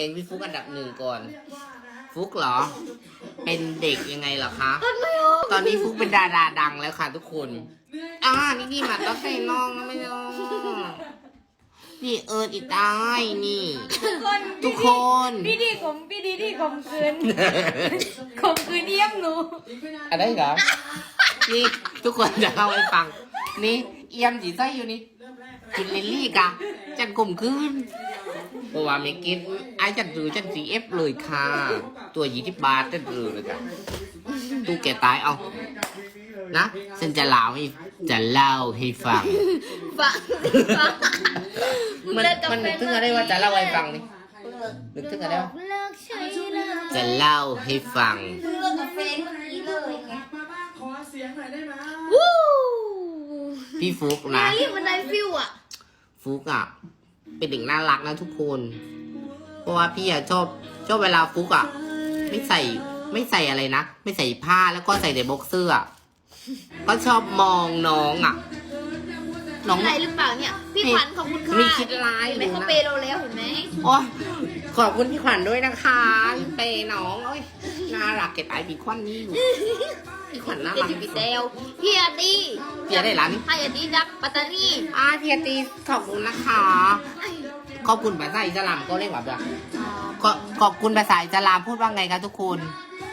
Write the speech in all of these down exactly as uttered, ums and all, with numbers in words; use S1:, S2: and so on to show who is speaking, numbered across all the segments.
S1: งพี่ฟุกอันดับหนึ่งก่อน ฟุกเหรอ เป็นเด็กยังไงเหรอคะ ตอนนี้ฟุกเป็นดาราดังแล้วค่ะทุกคนอ่านี่นี่มาต้องใส่น้องนะไม่น้องนี่เอิร์ดอีกได้นี่ทุกคน
S2: พี่ดีผมพี่ดีที่ข่มขืนข่มขืนเยี่ยมหนู
S1: อะไรเหรอนี่ทุกคนจะเล่าให้ฟังนี่เอี่ยมจีไส้อยู่นี่จุดลิลลี่กะจันกลมคืนเพราะว่าไม่กินไอ้จันถือจันสีเอฟเลยค่ะตัวยี่สิบบาทจันถือเลยค่ะตู้แกตายเอานะฉันจะเล่าให้จะเล่าให้ฟัง
S2: ฟังฟัง
S1: มันมันนึกถึงอะไรว่าจะเล่าให้ฟังนี่นึกถึงอะไรวะ
S2: เลิกใช้เลย
S1: จะเล่าให้ฟัง
S2: เลิกกับแฟนเมื่อกี้เลยไง
S3: ขอเสียงหน่อยได้ไหม
S2: วู้
S1: พี่ฟุกนะ
S2: เรียกมันได้ฟิวอ่ะ
S1: ฟุกอ่ะเป็นเด็กน่ารักนะทุกคน เพราะว่าพี่อ่ะชอบชอบเวลาฟุกอ่ะไม่ใส่ไม่ใส่อะไรนะไม่ใส่ผ้าแล้วก็ใส่แต่บ็อกเซอร์อ่ะก็ชอบมองน้องอ่ะน้อง
S2: อะไรหรือเปล่าเนี่ยพี่ขวัญขอบคุณค่ะ
S1: มีคิดร้าย
S2: เห็นไหม
S1: หรือนะ
S2: เขาเปย์เราแล้วเห็นไหม
S1: โอ้ขอบคุณพี่ขวัญด้วยนะคะพี่เปย์น้องโอ้ยน่ารักเก็บไอ้พี่ขวัญนี่อยู่พี่ขวัญน่า
S2: เดี๋ย
S1: รั
S2: ว
S1: ก
S2: จะพี่เดวพี่อาตี
S1: พี่ได้ร้านนี้
S2: พี่อาตีจากปัตตานี
S1: อาพี่อาตีขอบคุณนะคะ ขอบคุณภาษาอิสลามก็เรียกว่าแบบขอขอบคุณภาษาอิสลามพูดว่าไงคะทุกคน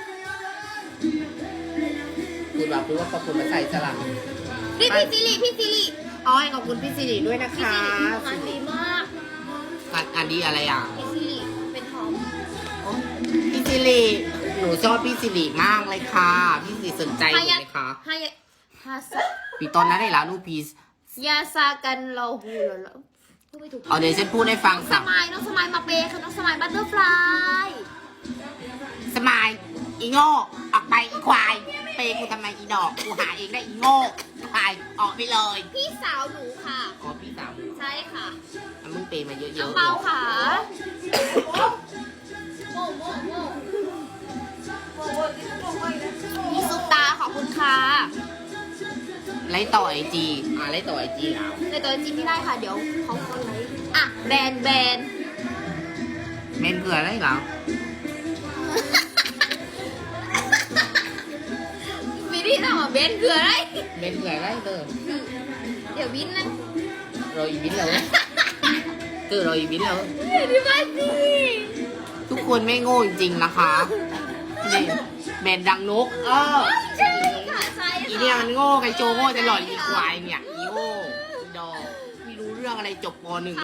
S1: พูดว่าพูดว่าขอบคุณภาษาอิสลาม
S2: พี่พี่ซิริพี่ซิริ
S1: อ้อยขอบคุณพี่สิริด้วยนะ
S2: พี่
S1: คะ
S2: ซิริงานดีมาก
S1: อันอันนี้อะไรอ่ะ
S2: พี่ซิริเป็นทอม
S1: โอ๊ยพี่สิริหนูชอบพี่สิริมากเลยค่ะพี่สิริสนใจหนูไหมคะ
S2: ฮายะฮาส
S1: ปีตอนนั้นได้แล้วลูกพีส
S2: ยาซากันเราหูเหรอพูดไม่ถูก
S1: เอาเดี๋ยวฉันพูดให้ฟัง
S2: ส
S1: สัก
S2: มายน้องสมายมาเปย์ค่ะน้องสมายบัตเตอร์ฟลาย
S1: สมายอีโง่ออกไปอีควายเปย์กูทำไมอีดอกกูหาเองได้อีโง่ควายออกไปเลย
S2: พี่สาวหนูค่ะ
S1: อ๋อพี่สาว
S2: ใช่ค่ะ
S1: อ่ะมึงเปย์มาเยอะๆ
S2: น้องเปาค่ะโม่โม่โม่พี่ซุปตาขอบคุณค่ะ
S1: ไล่ต่อไอจีอ่ะไล่ต่อไอจีแล้ว
S2: ในตัวจริงไม่ได้ค่ะเดี๋ยวเขาเขาไลฟ์อ่ะแบนแบน
S1: เมนเกลืออะไรเหรอ
S2: วิธีทำอ่ะแบนคืออะไร
S1: เมนเกลืออะไรเตอ
S2: เดี๋ยววินนะ
S1: รออีบินเลยเตอรออีบินเลย
S2: เดี๋ยวที่บ้านสิ
S1: ทุกคนไม่โง่จริงๆนะคะนี่เมนดังนกเออ
S2: ใช่ค่ะใช่
S1: อี
S2: ค่ะ
S1: เนี่ยมันโง่ไอโจโง่จะหลอดอีควายเนี่ยอีโง่อีดอกไม่รู้เรื่องอะไรจบปหนึ่ง